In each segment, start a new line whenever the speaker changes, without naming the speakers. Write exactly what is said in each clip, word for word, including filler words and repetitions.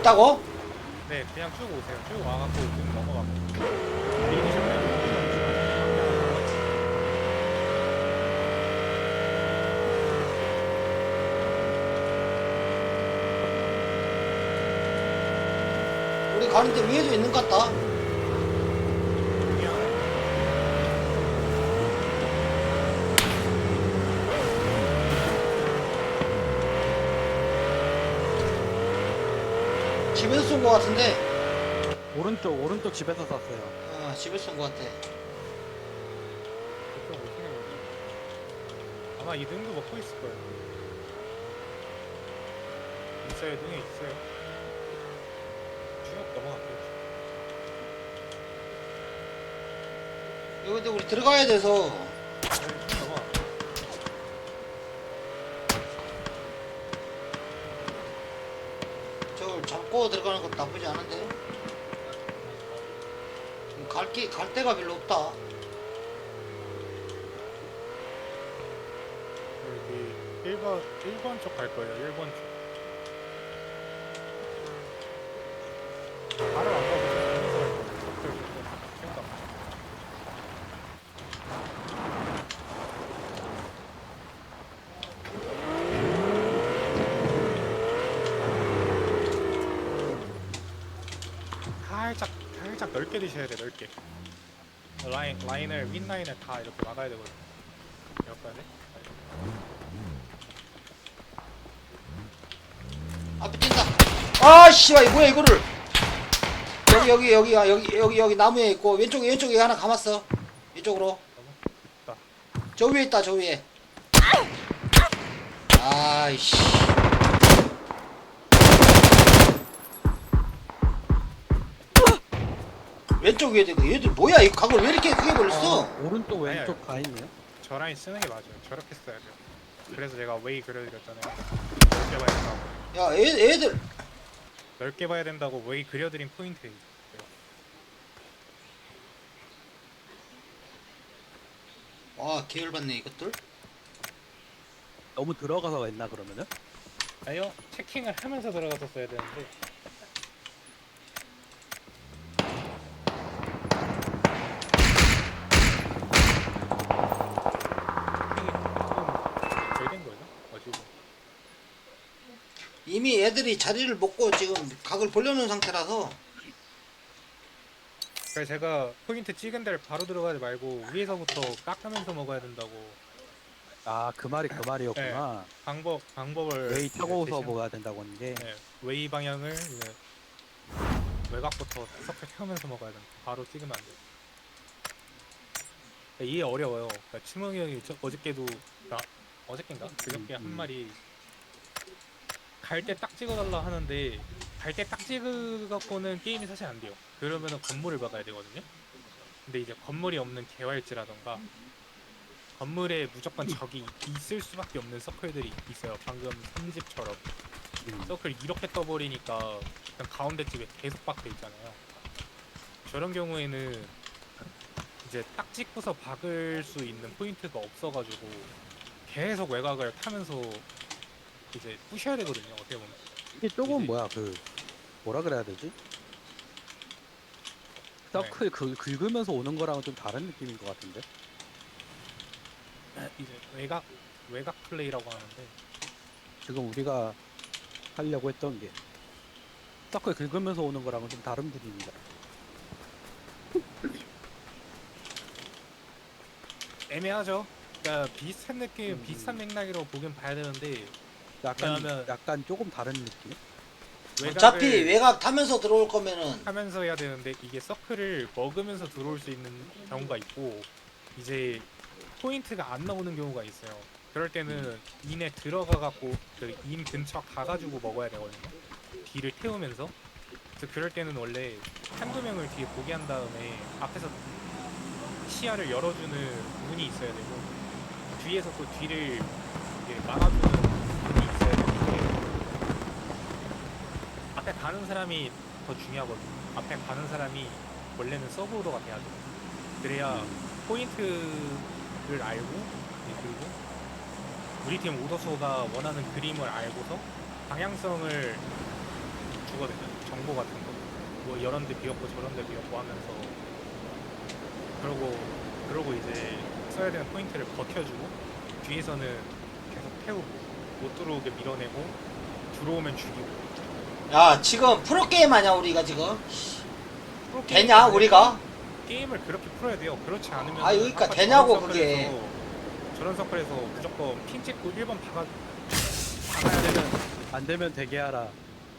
있다고?
네, 그냥 쭉 오세요. 쭉 와갖고 쭉 넘어가고. 밀리시면
우리 가는데 위에도 있는 것 같다. 집에서 쏜 것 같은데.
오른쪽 오른쪽 집에서 쐈어요.
아, 집에서 쏜 것 같아.
그쪽 오시는 거죠. 아마 이 등도 먹고 있을 거예요. 있어요, 등에 있어요. 쭉 넘어갈게요.
여기 근데 우리 들어가야 돼서.
네, 쭉 넘어가.
저걸 잡고 들어가는 것도 나쁘지 않은데. 갈, 기, 갈 데가 별로 없다.
여기 일 번, 일 번 쪽 갈 거예요, 일 번 쪽. 바로 안 가고 좀 가면서 갈 거예요. 적들 생각. 살짝, 살짝 넓게 드셔야 돼, 넓게. 라인, 라인을, 윗라인을 다 이렇게 막아야 되거든요. 이렇게 해야 돼?
앞에 뛴다. 아, 씨발, 이거 뭐야, 이거를. 여기, 여기, 여기, 아, 여기, 여기, 여기 나무에 있고, 왼쪽에, 왼쪽에 하나 감았어. 이쪽으로.
있다.
저 위에 있다, 저 위에. 아이씨. 왼쪽 위에 되고, 얘들 뭐야, 이 각을 왜 이렇게 크게 벌렸어?
아, 오른쪽
아니야.
왼쪽 다 있네요.
저 라인 쓰는 게 맞아요. 저렇게 써야 돼요. 그래서 제가 웨이 그려드렸잖아요. 넓게 봐야 된다고.
야, 애, 애들.
넓게 봐야 된다고 웨이 그려드린 포인트예요.
와, 계열받네, 이것들.
너무 들어가서 했나 그러면은?
아니요, 체킹을 하면서 들어가서 써야 되는데. 잘된 거예요? 어지고.
이미 애들이 자리를 먹고 지금 각을 벌려놓은 상태라서.
그래서 제가 포인트 찍은 데를 바로 들어가지 말고 위에서부터 깎으면서 먹어야 된다고.
아 그 말이 그 말이었구나.
방법 방법을
웨이 타고서
대신-
먹어야 된다고 하는 게.
네, 웨이 방향을 이제 외곽부터 섞여 태우면서 먹어야 된다. 바로 찍으면 안 돼요. 이해 어려워요. 그러니까 치몽이 형이 저, 어저께도 나 어저께인가 그저께 한
음.
말이 갈 때 딱 찍어달라 하는데 갈 때 딱 찍어갖고는 게임이 사실 안 돼요. 그러면은 건물을 박아야 되거든요. 근데 이제 건물이 없는 개활지라던가 건물에 무조건 적이 있을 수밖에 없는 서클들이 있어요. 방금 삼집처럼
음.
서클 이렇게 떠버리니까 그냥 가운데 집에 계속 박혀 있잖아요. 저런 경우에는 이제 딱 찍고서 박을 수 있는 포인트가 없어가지고 계속 외곽을 타면서 이제 부셔야 되거든요. 어떻게 보면.
이게 조금
이제-
뭐야 그 뭐라 그래야 되지? 서클 긁, 긁으면서 오는 거랑은 좀 다른 느낌인 것 같은데.
이제 외곽 외곽 플레이라고 하는데
지금 우리가 하려고 했던 게 서클 긁으면서 오는 거랑은 좀 다른 분위기다.
애매하죠. 그러니까 비슷한 느낌,
음.
비슷한 맥락으로 보긴 봐야 되는데
약간
왜냐면-
약간 조금 다른 느낌?
어차피
외곽을
외곽 타면서 들어올 거면은.
하면서 해야 되는데 이게 서클을 먹으면서 들어올 수 있는 경우가 있고 이제 포인트가 안 나오는 경우가 있어요. 그럴 때는 인에 들어가 갖고 그 인 근처 가가지고 먹어야 되거든요. 뒤를 태우면서. 그래서 그럴 때는 원래 한두 명을 뒤에 보게 한 다음에 앞에서 시야를 열어주는 문이 있어야 되고 뒤에서 또 뒤를 이렇게 막아주는 문이 있어야 되는데 앞에 가는 사람이 더 중요하거든요. 앞에 가는 사람이 원래는 서브로가 돼야 돼요. 그래야 포인트를 알고 그리고 우리 팀 오더소가 원하는 그림을 알고서 방향성을 주거든요. 정보 같은 거, 뭐 이런 데 비었고 저런 데 비었고 하면서 그러고 그러고 이제 써야 되는 포인트를 버텨주고 뒤에서는 계속 태우고 못 들어오게 밀어내고 들어오면 죽이고.
야 지금 프로게임 하냐 우리가 지금?
프로
되냐
게임은
우리가?
게임을 그렇게 풀어야 돼요. 그렇지 않으면
아, 여기까
아까
되냐고,
저런
그게.
서클에서- 저런 서클에서 무조건 핑 찍고 일 번 박아
안 되면 안 되면 되게 하라.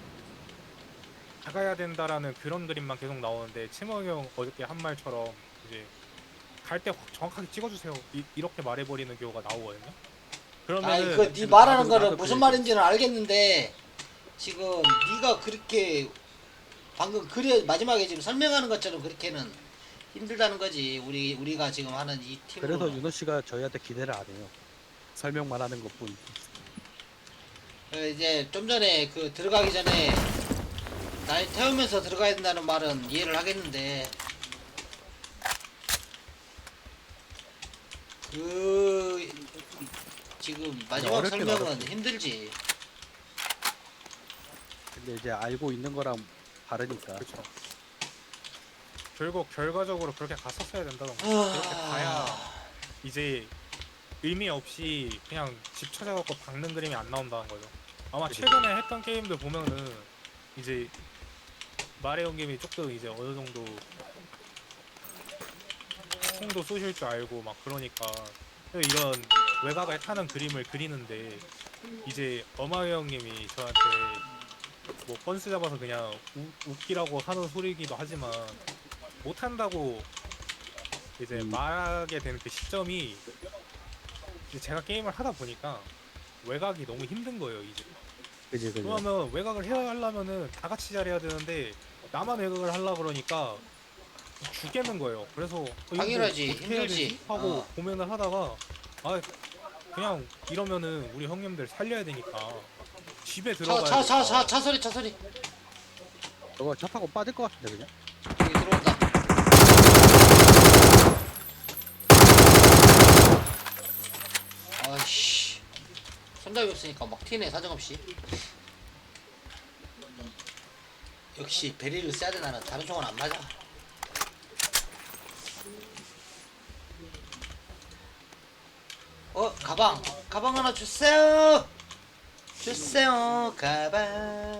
박아야 된다라는 그런 그림만 계속 나오는데 치먹이 형 어저께 한 말처럼 이제 갈 때 정확하게 찍어주세요 이, 이렇게 말해버리는 경우가 나오거든요. 그러면
아니 그네 말하는 거는 무슨 말인지는 알겠는데 지금 네가 그렇게 방금 그래 마지막에 지금 설명하는 것처럼 그렇게는 힘들다는 거지. 우리 우리가 지금 하는 이 팀으로.
그래서 윤호 씨가 저희한테 기대를 안 해요. 설명만 하는 것뿐.
그 이제 좀 전에 그 들어가기 전에 날 태우면서 들어가야 된다는 말은 이해를 하겠는데 그 지금 마지막
어렵긴
설명은
어렵지.
힘들지.
근데 이제 알고 있는 거랑 다르니까.
그렇죠. 결국 결과적으로 그렇게 갔었어야 된다던가.
아.
그렇게 가야 이제 의미 없이 그냥 집 찾아갖고 박는 그림이 안 나온다는 거죠. 아마
그치.
최근에 했던 게임들 보면은 이제 말해온 게임이 조금 이제 어느 정도 총도 쏘실 줄 알고 막 그러니까 이런 외곽을 타는 그림을 그리는데 이제 어마이 형님이 저한테 뭐 건스 잡아서 그냥 우, 웃기라고 하는 소리이기도 하지만 못한다고 이제
음.
말하게 되는 그 시점이 이제 제가 게임을 하다 보니까 외곽이 너무 힘든 거예요 이제.
그지 그지.
그러면 외곽을 해야 하려면은 다 같이 잘해야 되는데 나만 외곽을 하려 그러니까 죽겠는 거예요. 그래서 어, 이거 뭐
당연하지.
어떻게 해야
힘들지.
되지? 하고
어.
고민을 하다가 아 그냥 이러면은 우리 형님들 살려야 되니까 집에 들어가야
차 차 차 차 소리 차 소리
저거 차 타고 빠질 것 같은데 그냥.
여기 들어온다. 아이씨 손잡이 없으니까 막 튀네 사정없이. 역시 베리를 써야 돼. 나는 다른 총은 안 맞아. 어 가방 가방 하나 주세요. 주세요 가방.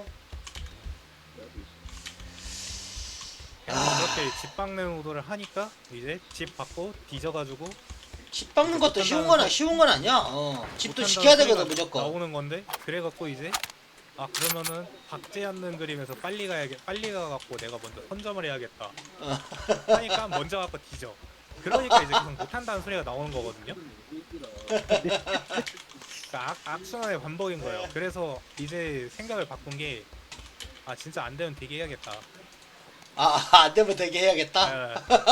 그냥 그렇게 집 박는 의도를 하니까 이제 집 받고 뒤져가지고
집 박는 것도 쉬운 건 쉬운 건 아니야. 어 집도
못한다는
지켜야 되거든
소리가
무조건.
나오는 건데 그래갖고 이제 아 그러면은 박지 않는 그림에서 빨리 가야겠 빨리 가갖고 내가 먼저 선점을 해야겠다
어.
하니까 먼저 갖고 뒤져. 그러니까 이제 계속 못한다는 소리가 나오는 거거든요. 그러니까 악, 악순환의 반복인 거예요. 그래서 이제 생각을 바꾼 게 아 진짜 안 되면 되게 해야겠다.
아, 안 되면 되게 해야겠다.
예.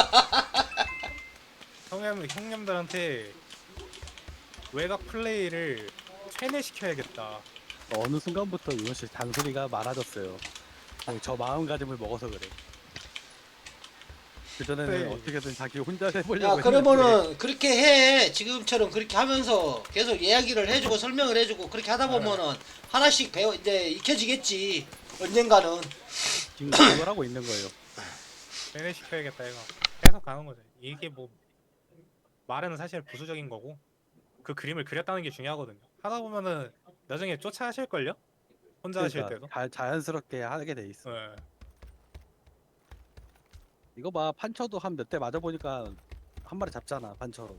형님, 형님들한테 외곽 플레이를 세뇌시켜야겠다.
어느 순간부터 윤호 씨 잔소리가 많아졌어요. 아니, 저 마음가짐을 먹어서 그래. 그 전에는
네.
어떻게든 자기 혼자 해보려고
야,
했는데
그러면은 그렇게 해. 지금처럼 그렇게 하면서 계속 이야기를 해주고 설명을 해주고 그렇게 하다 보면은 하나씩 배워 이제 익혀지겠지. 언젠가는.
지금 그걸 하고 있는 거예요.
세뇌시켜야겠다 이거. 계속 가는 거죠. 이게 뭐 말은 사실 부수적인 거고 그 그림을 그렸다는 게 중요하거든요. 하다 보면은 나중에 쫓아 하실걸요? 혼자 하실 때도.
그러니까 자, 자연스럽게 하게 돼 있어.
예.
이거 봐, 판처도 한 몇 대 맞아 보니까 한 마리 잡잖아, 판처로.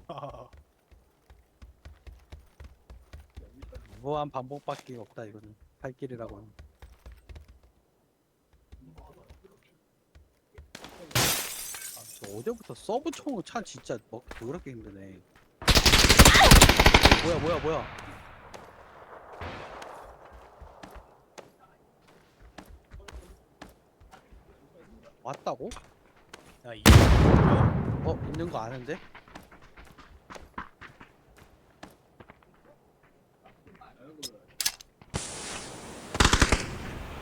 무한 반복밖에 없다 이거는. 팔길이라고는. 아, 저 어제부터 서브총을 차 진짜 먹기 더럽게 힘드네. 뭐야 뭐야 뭐야. 왔다고?
야 이게
어 있는 거 아는데?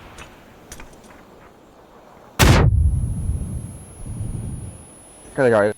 这个叫